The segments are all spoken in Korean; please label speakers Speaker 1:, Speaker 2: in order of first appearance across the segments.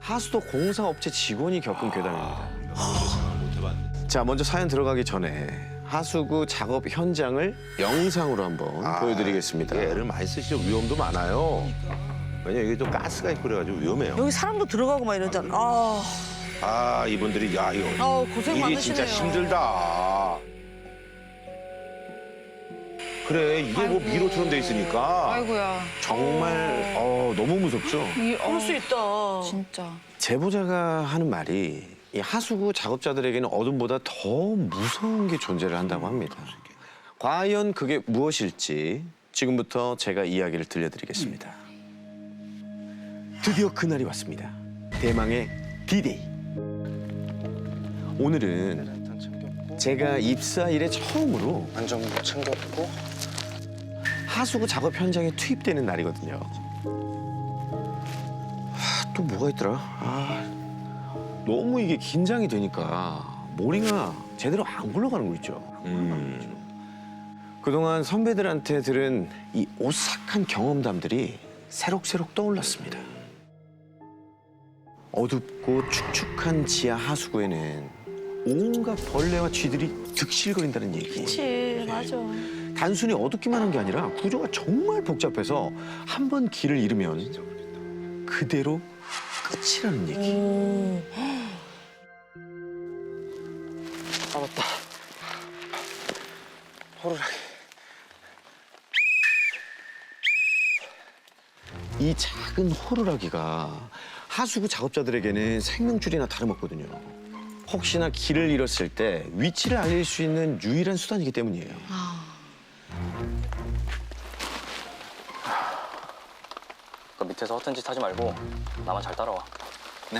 Speaker 1: 하수도 공사업체 직원이 겪은 괴담입니다.
Speaker 2: 생각 못 해봤네.
Speaker 1: 자, 먼저 사연 들어가기 전에 하수구 작업 현장을 영상으로 한번 보여드리겠습니다.
Speaker 2: 애를 많이 쓰시죠. 위험도 많아요. 왜냐면 이게 좀 가스가 있고 그래가지고 위험해요.
Speaker 3: 여기 사람도 들어가고 막 이러잖아.
Speaker 2: 아, 이분들이 야 이거
Speaker 3: 고생
Speaker 2: 일이 진짜
Speaker 3: 많으시네요.
Speaker 2: 힘들다. 그래 이게 뭐 미로처럼 돼 있으니까
Speaker 4: 아이고야.
Speaker 1: 정말 너무 무섭죠?
Speaker 3: 그럴 수 있다.
Speaker 4: 진짜.
Speaker 1: 제보자가 하는 말이 이 하수구 작업자들에게는 어둠보다 더 무서운 게 존재를 한다고 합니다. 과연 그게 무엇일지 지금부터 제가 이야기를 들려드리겠습니다. 드디어 그날이 왔습니다. 대망의 D-Day. 오늘은 제가 입사 이래 처음으로
Speaker 5: 안전모 챙겼고
Speaker 1: 하수구 작업 현장에 투입되는 날이거든요. 또 뭐가 있더라? 너무 이게 긴장이 되니까 머리가 제대로 안 굴러가는 거 있죠. 그동안 선배들한테 들은 이 오싹한 경험담들이 새록새록 떠올랐습니다. 어둡고 축축한 지하 하수구에는 온갖 벌레와 쥐들이 득실거린다는 얘기.
Speaker 3: 그치, 맞아.
Speaker 1: 단순히 어둡기만 한 게 아니라 구조가 정말 복잡해서 한 번 길을 잃으면 그대로 끝이라는 얘기.
Speaker 5: 아 맞다 호루라기
Speaker 1: 이 작은 호루라기가 하수구 작업자들에게는 생명줄이나 다름없거든요. 혹시나 길을 잃었을 때 위치를 알릴 수 있는 유일한 수단이기 때문이에요.
Speaker 5: 그 밑에서 허튼 짓 하지 말고 나만 잘 따라와.
Speaker 1: 네.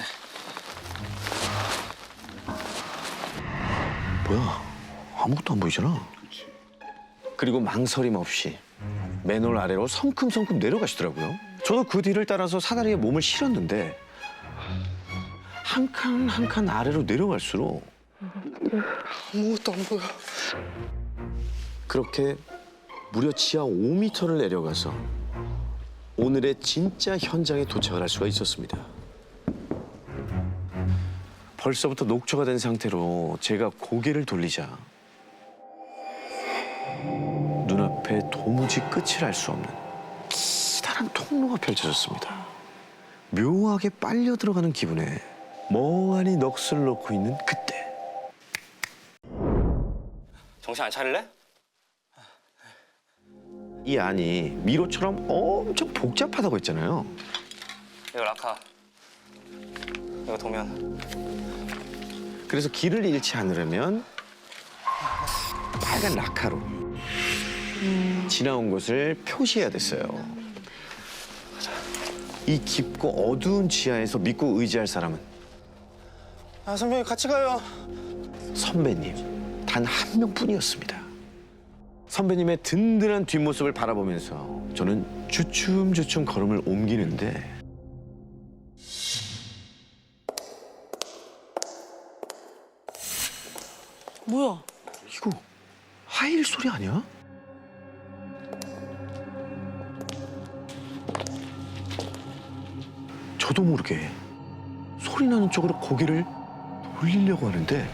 Speaker 1: 뭐야? 아무것도 안 보이잖아. 그리고 망설임 없이 맨홀 아래로 성큼성큼 내려가시더라고요. 저도 그 뒤를 따라서 사다리에 몸을 실었는데 한 칸 한 칸 아래로 내려갈수록
Speaker 5: 아무것도 안 보여.
Speaker 1: 그렇게 무려 지하 5m를 내려가서 오늘의 진짜 현장에 도착을 할 수가 있었습니다. 벌써부터 녹초가 된 상태로 제가 고개를 돌리자 눈앞에 도무지 끝을 알 수 없는 기다란 통로가 펼쳐졌습니다. 묘하게 빨려 들어가는 기분에 멍하니 넋을 놓고 있는 그때
Speaker 5: 정신 안 차릴래?
Speaker 1: 이 안이 미로처럼 엄청 복잡하다고 했잖아요.
Speaker 5: 이거 라카. 이거 도면.
Speaker 1: 그래서 길을 잃지 않으려면 빨간 라카로 지나온 곳을 표시해야 됐어요. 이 깊고 어두운 지하에서 믿고 의지할 사람은
Speaker 5: 아 선배님 같이 가요.
Speaker 1: 선배님 단 한 명뿐이었습니다. 선배님의 든든한 뒷모습을 바라보면서 저는 주춤주춤 걸음을 옮기는데
Speaker 3: 뭐야?
Speaker 1: 이거 하이힐 소리 아니야? 저도 모르게 소리 나는 쪽으로 고개를 돌리려고 하는데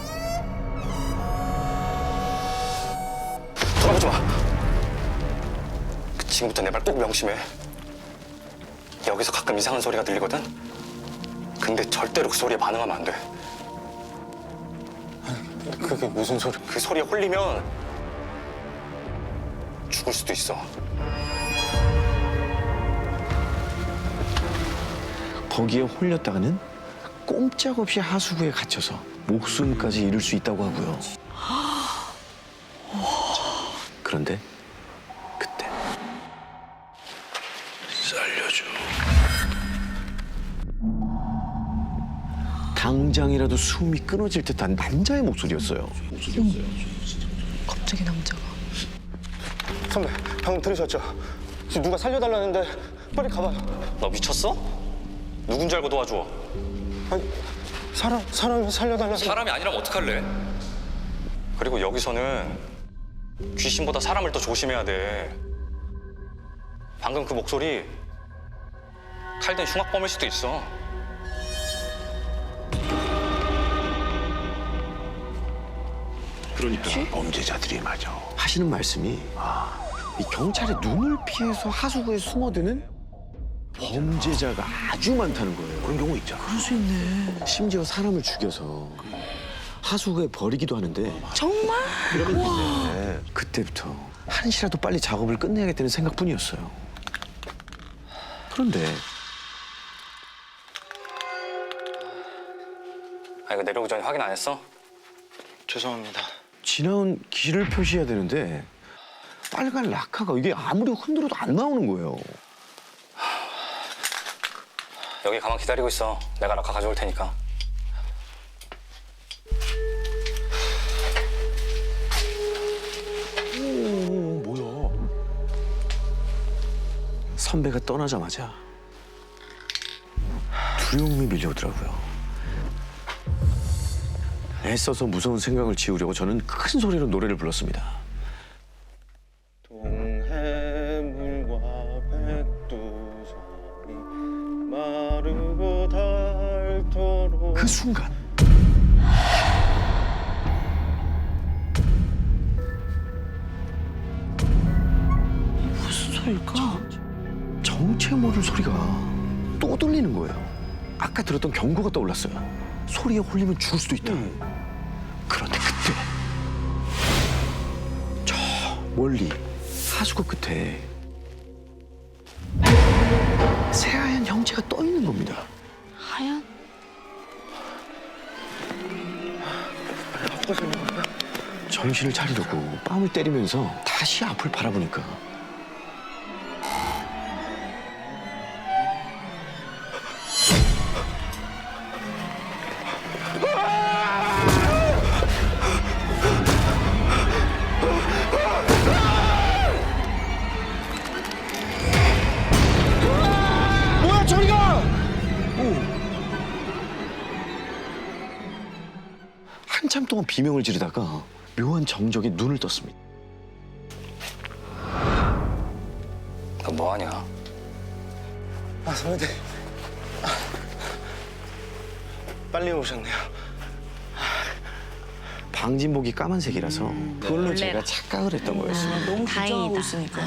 Speaker 5: 돌아보지 마. 지금부터 내 말 꼭 명심해. 여기서 가끔 이상한 소리가 들리거든. 근데 절대로 그 소리에 반응하면 안 돼. 그게 무슨 소리? 그 소리에 홀리면 죽을 수도 있어.
Speaker 1: 거기에 홀렸다가는 꼼짝없이 하수구에 갇혀서 목숨까지 잃을 수 있다고 하고요. 그런데 그때 살려줘. 당장이라도 숨이 끊어질 듯한 남자의 목소리였어요.
Speaker 4: 갑자기 남자가.
Speaker 5: 선배, 방금 들으셨죠? 지금 누가 살려달라는데 빨리 가봐요. 너 미쳤어? 누군지 알고 도와줘. 아니, 사람이 살려달라고. 사람이 아니라면 어떡할래? 그리고 여기서는 귀신보다 사람을 더 조심해야 돼. 방금 그 목소리 칼된 흉악범일 수도 있어.
Speaker 1: 그러니까
Speaker 2: 범죄자들이 맞아.
Speaker 1: 하시는 말씀이 이 경찰의 눈을 피해서 하수구에 숨어드는 범죄자가 아주 많다는 거예요.
Speaker 2: 그런 경우 있잖아.
Speaker 3: 그럴 수 있네.
Speaker 1: 심지어 사람을 죽여서 하수구에 버리기도 하는데
Speaker 3: 정말?
Speaker 1: 그때부터 한시라도 빨리 작업을 끝내야겠다는 생각뿐이었어요. 그런데
Speaker 4: 아 이거 내려오기 전에 확인 안 했어?
Speaker 5: 죄송합니다.
Speaker 1: 지나온 길을 표시해야 되는데 빨간 라카가 이게 아무리 흔들어도 안 나오는 거예요.
Speaker 4: 여기 가만 기다리고 있어. 내가 라카 가져올 테니까.
Speaker 2: 뭐야?
Speaker 1: 선배가 떠나자마자 두려움이 밀려오더라고요. 애써서 무서운 생각을 지우려고 저는 큰 소리로 노래를 불렀습니다.
Speaker 5: 동해물과 백두산이 마르고 닳도록
Speaker 1: 그 순간
Speaker 3: 무슨 소리일까?
Speaker 1: 정체 모를 소리가 또 들리는 거예요. 아까 들었던 경고가 떠올랐어요. 소리에 홀리면 죽을 수도 있다. 그런데 그때 저 멀리 하수구 끝에 새하얀 형체가 떠 있는 겁니다.
Speaker 3: 하얀?
Speaker 1: 정신을 차리려고 뺨을 때리면서 다시 앞을 바라보니까
Speaker 5: 뭐야 저리가!
Speaker 1: 한참 동안 비명을 지르다가 묘한 정적에 눈을 떴습니다.
Speaker 4: 너 뭐하냐?
Speaker 5: 아 선배님 빨리 오셨네요.
Speaker 1: 방진복이 까만색이라서 그걸로 제가 착각을 했던 거였어요.
Speaker 3: 너무 긴장하고
Speaker 6: 다행이다.
Speaker 3: 있으니까.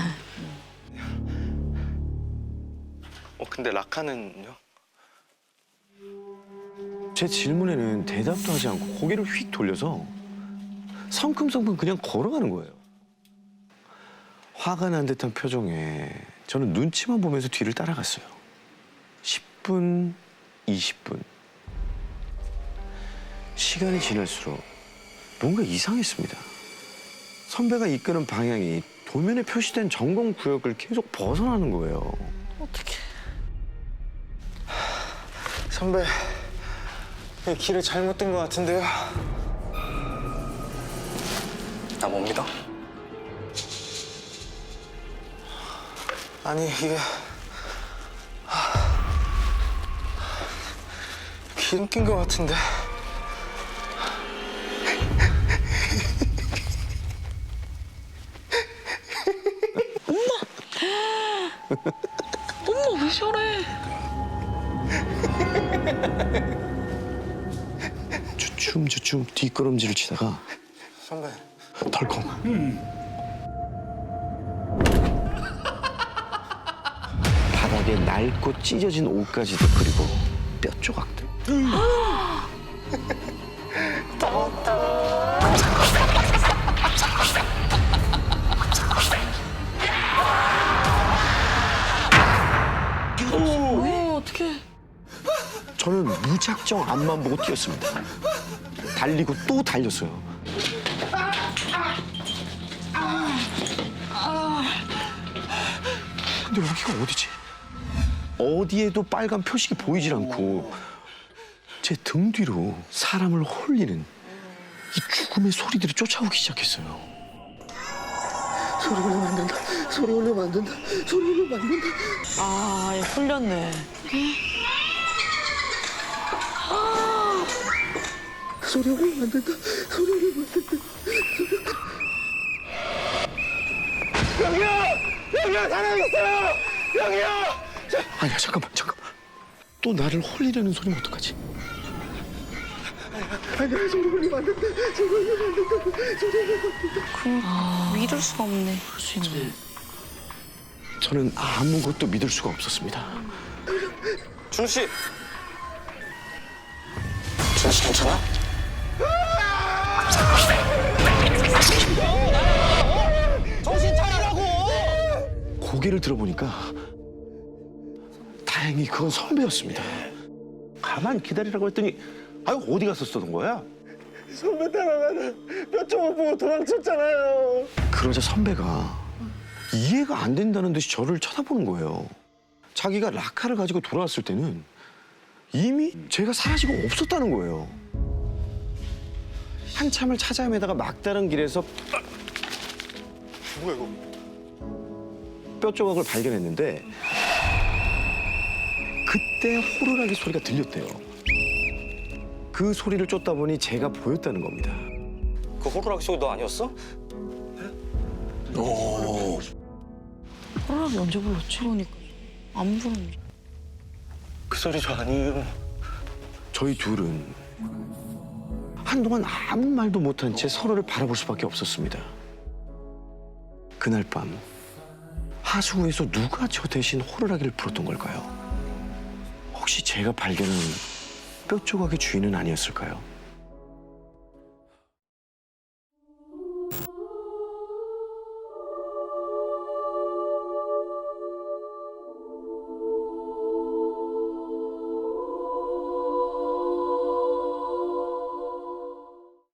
Speaker 5: 근데 라카는요?
Speaker 1: 제 질문에는 대답도 하지 않고 고개를 휙 돌려서 성큼성큼 그냥 걸어가는 거예요. 화가 난 듯한 표정에 저는 눈치만 보면서 뒤를 따라갔어요. 10분, 20분. 시간이 지날수록 뭔가 이상했습니다. 선배가 이끄는 방향이 도면에 표시된 점검 구역을 계속 벗어나는 거예요.
Speaker 3: 어떡해.
Speaker 5: 선배 이 길을 잘못 든 것 같은데요.
Speaker 4: 나 못 믿어?
Speaker 5: 아니 이게 기름 낀 것 같은데.
Speaker 3: 어머, 왜 저래?
Speaker 1: 주춤주춤 뒷걸음질을 치다가
Speaker 5: 선배
Speaker 1: 덜컹. 바닥에 낡고 찢어진 옷가지도 그리고 뼈 조각들.
Speaker 3: 어떡해.
Speaker 1: 저는 무작정 앞만 보고 뛰었습니다. 달리고 또 달렸어요. 근데 여기가 어디지? 어디에도 빨간 표식이 보이질 않고 제 등 뒤로 사람을 홀리는 이 죽음의 소리들이 쫓아오기 시작했어요. 소리 올리면 안 된다. 소리 올리면 안 된다. 소리 올리면 안 된다.
Speaker 3: 아, 얘 홀렸네.
Speaker 1: 소리 올리면 안 된다. 소리 올리면 안 된다.
Speaker 5: 여기요 사람 있어요. 여기요.
Speaker 1: 아니야 잠깐만. 또 나를 홀리려는 소리면 어떡하지?
Speaker 6: 믿을 수가 없네.
Speaker 1: 저는 아무것도 믿을 수가 없었습니다.
Speaker 5: 준우 씨. 준우 씨 괜찮아? 정신 차리라고!
Speaker 1: 고개를 들어보니까 다행히 그건 선배였습니다.
Speaker 2: 가만 기다리라고 했더니 아유 어디 갔었던 거야?
Speaker 5: 선배 따라가다 몇 조각 보고 도망쳤잖아요.
Speaker 1: 그러자 선배가 이해가 안 된다는 듯이 저를 쳐다보는 거예요. 자기가 라카를 가지고 돌아왔을 때는 이미 제가 사라지고 없었다는 거예요. 한참을 찾아 헤매다가 막다른 길에서
Speaker 5: 뭐야 이거?
Speaker 1: 뼈 조각을 발견했는데 그때 호루라기 소리가 들렸대요. 그 소리를 쫓다 보니 제가 보였다는 겁니다.
Speaker 4: 그 호루라기 소리 너 아니었어?
Speaker 3: 호랑이 언제 불렀지?
Speaker 6: 그러니까 안 부르는데.
Speaker 5: 그 소리 저 아니에요.
Speaker 1: 저희 둘은 한동안 아무 말도 못한 채 서로를 바라볼 수밖에 없었습니다. 그날 밤 하수구에서 누가 저 대신 호루라기를 불었던 걸까요? 혹시 제가 발견한 뼈 조각의 주인은 아니었을까요?